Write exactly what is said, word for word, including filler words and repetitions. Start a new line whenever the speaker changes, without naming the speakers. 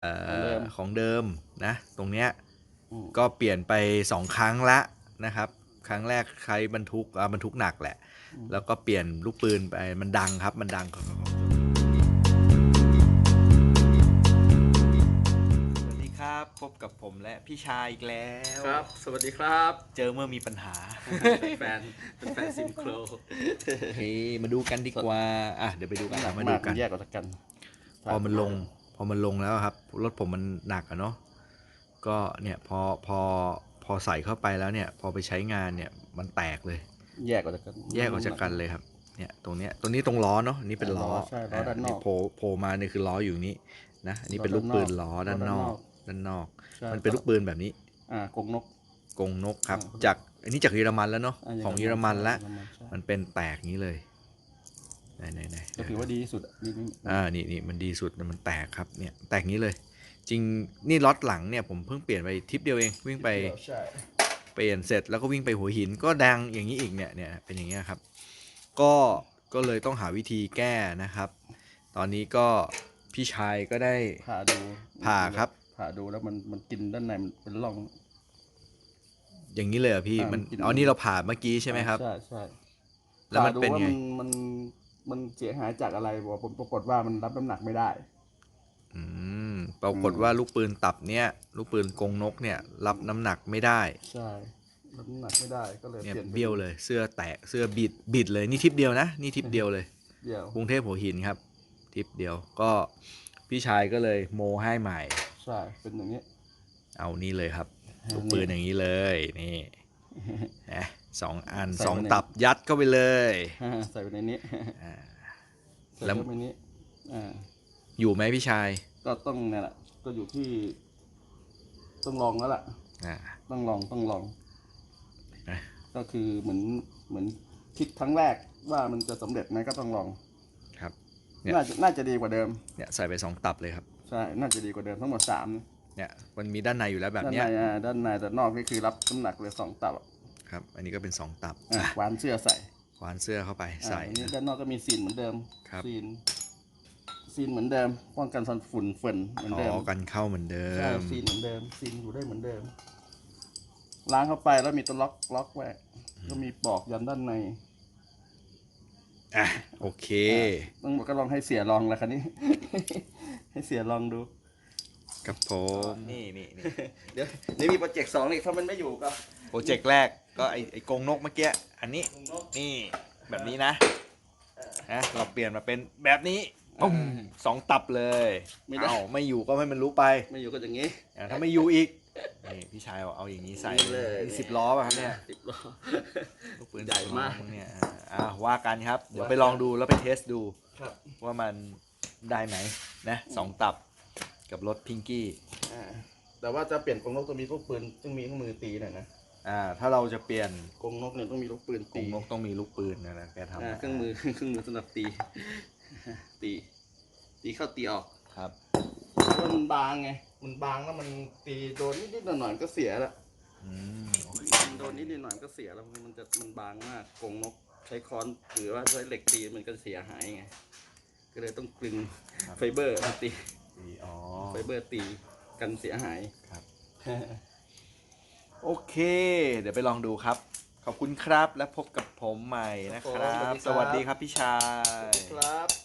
ของเดิม
ของเดิมนะตรงเนี้ย
อืม
ก็เปลี่ยนไปสองครั้งละนะครับครั้งแรกใช้บรรทุกอ่าบรรทุกหนักแหละแล้วก็เปลี่ยนลูกปืนไปมันดังครับมันดังสวัสดีครับพบกับผมและพี่ชายอีกแล้ว
ครับสวัสดีครับ
เจอเมื่อมีปัญหา
แฟนเป็นแฟนซิมโคร
เฮ้ยมาดูกันดีกว่าอ่ะเดี๋ยวไปดูกัน
หนัก
มาดู
มาก
กัน
แยกออกจากกัน
พอมันลงพอมันลงแล้วครับรถผมมันหนักอะเนาะก็เนี่ยพอพอพอใส่เข้าไปแล้วเนี่ยพอไปใช้งานเนี่ยมันแตกเลย
แยกออกจากกัน
แยกออกจากกันเลยครับเนี่ยตรงเนี้ยตรงนี้ตรงล้อเนาะอันนี้เป็นล้อ
ใช่ล้อด้านนอก
โผล่โผล่มาเนี่ยคือล้ออยู่นี้นะอันนี้เป็นลูกปืนล้อด้านนอกด้านนอกมันเป็นลูกปืนแบบนี้
อ่ากงนก
กงนกครับจากอันนี้จากเยอรมันแล้วเนาะ
อ่า
ของเยอรมันแล้ว
เยอรมันใช่
มันเป็นแตกนี้เลยไหนไหนไหน
ก็ถือว่าดีที่สุดอ่ะดีนี่
อ่านี่นี่มันดีสุดมันแตกครับเนี่ยแตกนี้เลย จริงนี่ล็อตหลังเนี่ยผมเพิ่งเปลี่ยนไปทริปเดียวเองวิ่งไป
ใช่
เปลี่ยนเสร็จแล้วก็วิ่งไปหัวหินก็ดังอย่างนี้อีกเนี่ยเนี่ยเป็นอย่างเงี้ยครับก็ก็เลยต้องหาวิธีแก้นะครับ ตอนนี้ก็พี่ชายก็ได้
ผ่าดู
ผ่าครับ
ผ่าดูแล้วมันมันกินด้านในมันเป็นร่อง
อย่างนี้เลยเหรอพี่
อ่ามั
มัน
นกิน
อ๋อนี่เราผ่าเมื่อกี้ใช่ไหมครับ
ใช่ใช่
แล้วมันเป็นไง
ผ่าดูว่ามันมันมันเสียหายจากอะไรบอกผมปรากฏว่ามันรับน้ำหนักไม่ได้
อืมปรากฏว่าลูกปืนตับเนี่ยลูกปืนกงนกเนี่ยรับน้ำหนักไม่ได้
ใช่รับน้ำหนักไม่ได้ก็เลย
เนี่ย
เปลี่ยน
เบี้ยวเลยเสื้อแตกเสื้อบิดบิดเลยนี่ทริปเดียวนะนี่ทริปเดียวเลย
เดี่ยว
กรุงเทพหัวหินครับทริปเดียวก็พี่ชายก็เลยโมให้ใหม่
ใช่เป็นอย่างนี้
เอานี่เลยครับ
อ่า
ลูกปืนอย่างนี้เลยนี่นะสองอัน
ใส่
สอง
ไว้ใน
ตับยัดเข้าไปเลย
ใส่ไปในนี้
อ่า
ใส่
แล้ว
เข้าไปนี้อ่า
อยู่ไหมพี่ชาย
ก็ต้องเนี่ยแหละก็อยู่ที่ต้องลองแล้วล่ะ
อ่า
ต้องลองต้องลอง
นะ
ก็คือเหมือนเหมือนคิดครั้งแรกว่ามันจะสำเร็จไหมก็ต้องลอง
ครับ เนี่ย
น่าจะน่าจะดีกว่าเดิม
เนี่ยใส่ไปสองตับเลยครับ
ใช่น่าจะดีกว่าเดิมทั้งหมดสาม
เนี่ยมันมีด้านในอยู่แล้วแบบ
ด้าน
เนี้
ใน
ย
อ่าด้านในแต่นอกนี่คือรับน้ำหนักเลยสองตับ
ครับอันนี้ก็เป็นสองตับ
อ่ะ
อ่ะ
วานเสื้อใส่
ขวานเสื้อเข้าไปใส่
อ่าอันนี้ด้านนอกก็มีซีนเหมือนเดิม
ครับ
ซีนซีนเหมือนเดิมป้องกันฟันฝุ่นฝนเหมือน
อ๋
เดิม
อกันเข้าเหมือนเดิ
ใช่
ม
ซีนเหมือนเดิมซีนอยู่ได้เหมือนเดิมล้างเข้าไปแล้วมีตัวล็อกล็อกไว้ก็มีปลอกยันด้านใน
อ่ะโอเค
ต้องก็ลองให้เสียลองแล้วคันนี้ ให้เสียลองดู
กับผมนี่นี่นี่
เดี๋ยวเดี๋ยวมีโปรเจกต์สองอีกถ้ามันไม่อยู่ก็
โปรเจกต์แรกก็ไอไอกรงนกเมื่อกี้อันนี้นี่แบบนี้นะนะเราเปลี่ยนมาเป็นแบบนี้ปุ้มสองตับเลย
ไม่ได้
เอาไม่อยู่ก็ให้มันรู้ไป
ไม่อยู่ก็อย่างนี้
อ่ะถ้าไม่อยู่อีกนี่พี่ชายเอาเอาอย่างนี้ใส่
เลย
นี่สิบล้อป่ะครับเนี่ย
สิบล้อ
ลูกปืน
ใหญ่มาก
สิบล้อเนี่ยอ่ะอ่ะว่ากันครับเดี๋ยวไปลองดูแล้วไปเทสดู
ครับ
ว่ามันได้ไหมนะสองตับกับรถพิงกี้
อ่าแต่ว่าจะเปลี่ยนกรงนกต้องมีลูกปืนต้องมีเครื่องมือตีหน่อยนะ
อ่าถ้าเราจะเปลี่ยน
กรงนกเนี่ยต้องมีลูกปืน
กร
ตี
งนกต้องมีลูกปืนนะนะแกทำ
อ่า
นะ
เครื่องมือ เครื่องมือสำหรับตี ตี ตีเข้าตีออก
ครับ
เพราะว่ามันบางไง มันบางแล้วมันตีโดนนิดๆหน่อยๆก็เสียละ
อืมโอเค
มันโดนนิดๆหน่อยๆก็เสียแล้วมันจะมันบางมากกรงนกใช้ค้อนหรือว่าใช้เหล็กตีมันก็เสียหายไงก็เลยต้องกลึงไฟเบอร์มาตี
ดีอ๋อ
ไฟเบอร์ตีกันเสียหาย
ครับ โอเค เดี๋ยวไปลองดูครับ ขอบคุณครับและพบกับผมใหม่นะครับ สวัสดีครับพี่ชาย
ครับ